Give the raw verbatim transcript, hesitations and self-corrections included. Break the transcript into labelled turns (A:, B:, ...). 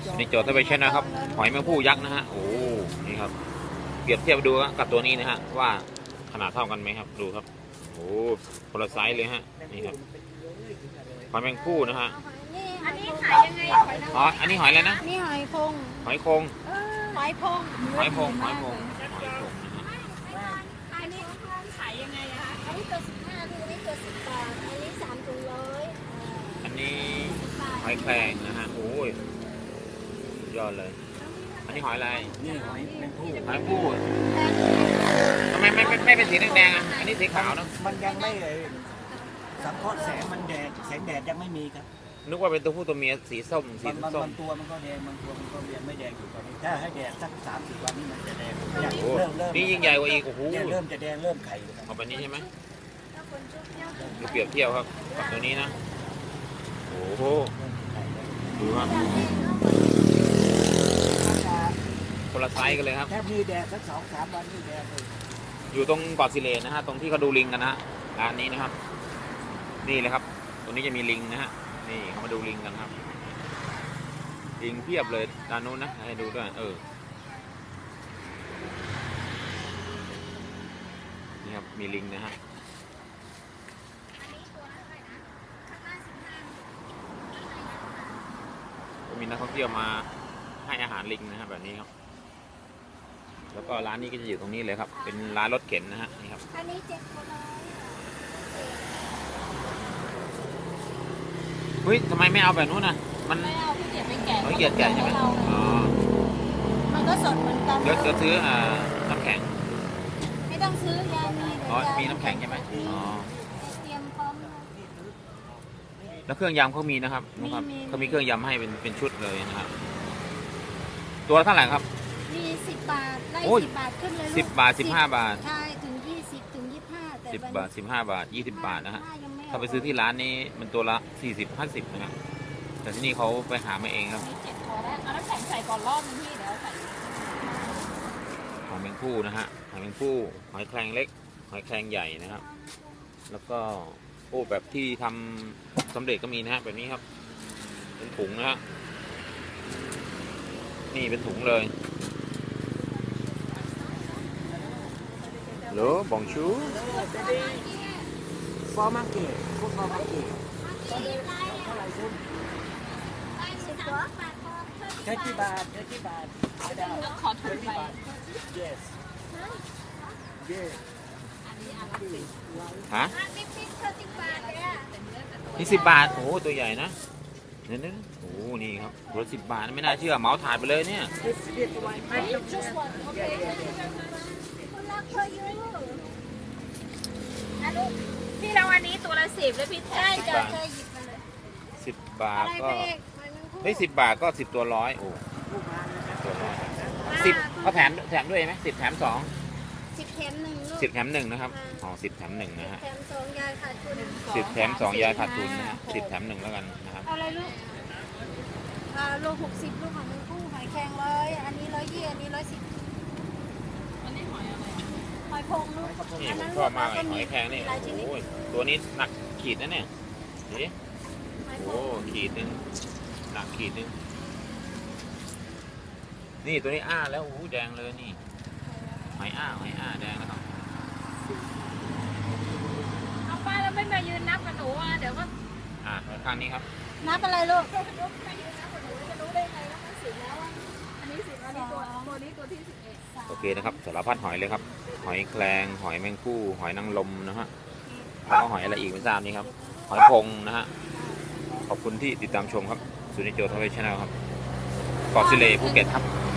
A: สุนิจโจทย์ทวีชนะครับ หอยแมงผู้ยักษ์นะฮะ โอ้ นี่ครับ เปรียบเทียบดูกับตัวนี้นะฮะ ว่าขนาดเท่ากันไหมครับ ดูครับ โอ้คนละไซส์เลยฮะ นี่ครับ หอยแมงผู้นะฮะ
B: อันนี้ขายยังไงหอยนางร
A: อ๋อ
B: ม
A: อันนี้หอยอะไรนะ
C: นี่หอยพง
A: หอยโคง
B: หอยพง
A: หอยโคงหอยโคงหอยโคงนะฮะ
B: อันนี้ขายยังไงอะคะ
C: อันนี้ตัวสิบห้าอันนี้ตัวสิบบาท อันนี้สามถุงร้อย
A: อันนี้หอยแครงนะฮะ โอ้ยสุดยอดเลย อันนี้หอยอะไร
D: นี่หอยแมงผู้
A: หอยผู้ทำไมไม่ไม่ไม่เป็นสีแดงๆอ่ะ อันนี้สีขาวเนอะ
D: มันยังไม่เลยสังเคราะห์แสงมันแดดแสงแดดยังไม่มีครับ
A: นึกว่าเป็นตัวผู้ตัวเมียสีส้มสี
D: บางบาง
A: ส้ม
D: บางตัวมันก็แดงบางตัวมันก็ยังไม่แดงอยู่ตอนนี้ถ้าให้แดดสักสามสี่วันนี้มันจะแดง
A: โอ้โห
D: เริ่มเริ่ม
A: นี่ยิ่งใหญ่กว่าอีก โอ้โห
D: เนี่ยเริ่มจะแดงเริ่มไข่แล้วครับ
A: เอาไปนี้ใช่ไหมดูเปรียบเทียบครับกับตัวนี้นะ โอ้โห ดูครับคนละไซส์กันเลยครับ
D: แค่มีแดดสักสองสามวันนี่แดงเลย
A: อยู่ตรงเกาะสิเลนนะฮะ ตรงที่เขาดูลิงกันนะฮะร้านนี้นะครับ นี่เลยครับ ตรงนี้จะมีลิงนะฮะ นี่เขามาดูลิงกันครับ ลิงเพียบเลยด้านนู้นนะ ให้ดูด้วย เออ นี่ครับ มีลิงนะฮะ ก็มีนักท่องเที่ยวมาให้อาหารลิงนะฮะแบบนี้ครับ แล้วก็ร้านนี้ก็จะอยู่ตรงนี้เลยครับ เป็นร้านรถเข็นนะฮะ นี่ครับ
C: อันนี้เจ็ดคนร้อย
A: เฮ้ยทำไมไม่เอาแบบนู้นน่ะ มัน
B: ไม่เอาพี่เกียรไม่แก่
A: เขาเกลียดแก่ใช่ไหมอ๋อ
C: มันก็สดเหมือนกัน
A: เดี๋ยวเดี๋ยวซื้ออ่าน้ำแข็ง
C: ไม่ต้องซื้อยามีเดี๋ยว
A: อ๋อ
C: ยา
A: มีน้ำแข็งใช่ไหมอ๋อ
C: เตรียมพร้อมเลย
A: แล้วเครื่องยำเขามีนะครับนุ๊กครับ
C: มีมี
A: เขามีเครื่องยำให้เป็นเป็นชุดเลยนะครับ ตัวละเท่าไหร่ครับ
C: มีสิบบาทไล่
A: โอ้ย
C: สิบบาทขึ้นเลยลูก
A: สิบบาทสิบห้าบาท
C: ใช่ถึงยี่สิบถึงยี่สิบห้าแต่
A: สิบ
C: วัน
A: บาทสิบห้าบาทยี่สิบบาทนะฮะ
C: ยังม่
A: ถ้าไปซื้อที่ร้านนี้มันตัวละสี่สิบห้าสิบนะครับ แต่ที่นี่เขาไปหามาเองครับ
B: มีเจ็ดพอแล้วเอาน้ำแข็งใส่ก่อนรอบนึงพี่เดี๋ยวใส่
A: หอยแมงผู้นะฮะ หอยแมงผู้หอยแครงเล็ก หอยแครงใหญ่นะครับ แล้วก็โอ้แบบที่ทำสำเร็จก็มีนะฮะแบบนี้ครับ เป็นถุงนะฮะ นี่เป็นถุงเลยเหรอบองชู
D: ฟอร์มาร์เก็ตพวกฟอร์มาร์เก็ตเท่าไหร่ซุ่ม
C: สิบกว่าบาทพอ
D: แค่กี่บาทแค่กี่บาทไม่ได้
B: ขอถุงไป
D: yes yes
A: ฮะ
C: อันนี้พิเศษสิบบาทเลยอะ
A: นี่สิบบาท โอ้โหตัวใหญ่นะเนี่ยเนี่ยโอ้โหนี่ครับรถสิบบาทไม่น่าเชื่อเหมาถาดไปเลยเนี่ย
D: this this one
C: คุณรักเธออยู่
B: อันนี้พี่เราอันนี้ตัวละสิบแล้วพี่
C: ใช่
B: ใช่
C: จะ
A: บาท
C: จะหยิบมาเลย
A: สิบบา
C: อะ
A: ท
C: ไร
A: ก็
C: ไปเอกมันมันพูด
A: เฮ้ยสิบบาทก็สิบตัวร้อยโอ้ตัวร้อยสิบเขาแถมแถมด้วยไหมสิบแถมสอง
C: สิบแถมหนึ่งลูก
A: สิบแถมหนึ่งนะครับอ๋อสิบแถมหนึ่งนะฮะ
C: แถมสองยายขาดทุน
A: สิบแถมสองยายขาดทุนนะฮะสิบแถมหนึ่งแล้วกันนะครับ
C: เอาอะไรลูกอ่าโลหกสิบลูกของมันคู่หอยแครงร้อยอันนี้ร้อยยี่อันนี้ร้อยสิบ
B: อันนี้หอยอะไร
C: หอยพงลูก
A: นี่
C: อัน
A: ผ
C: นั้
A: ม
C: น
A: ชอบมากเลยห
C: มี
A: อยแครงนี่
C: หลายชนิด
A: โอ้ยตัวนี้หนักขีดนะเนี่ยนี่
C: หอยพ
A: โอ้
C: ง
A: ขีดหนึงหนักขีดหนึงนี่ตัวนี้อ้าแล้วโอ้โหแดงเลยนี่หอยอ้าหอยอ้าแดงแล้วครับ
B: เอาป้าแล้วไม่มายืนนับกับหนูอ่ะเดี๋ยวก็
A: อ่าข้างนี้ครับ
C: นับอะไรลูก
B: ไม่ยืนนับกับหนูจะรู้ได้ไงว่ามันสิบแล้วอ่ะอันนี้สิบอันนี้ตัวตัวนี้ตัวที่สิบเอ็ด
A: โอเคนะครับสารพัดหอยเลยครับ หอยแครงหอยแมงคู่หอยนางรมนะฮะแล้วก็หอยอะไรอีกไม่ทราบนี่ครับ หอยพงนะฮะขอบคุณที่ติดตามชมครับสุนิจโจทวีชแนลครับเกาะสิเลภูเก็ตครับ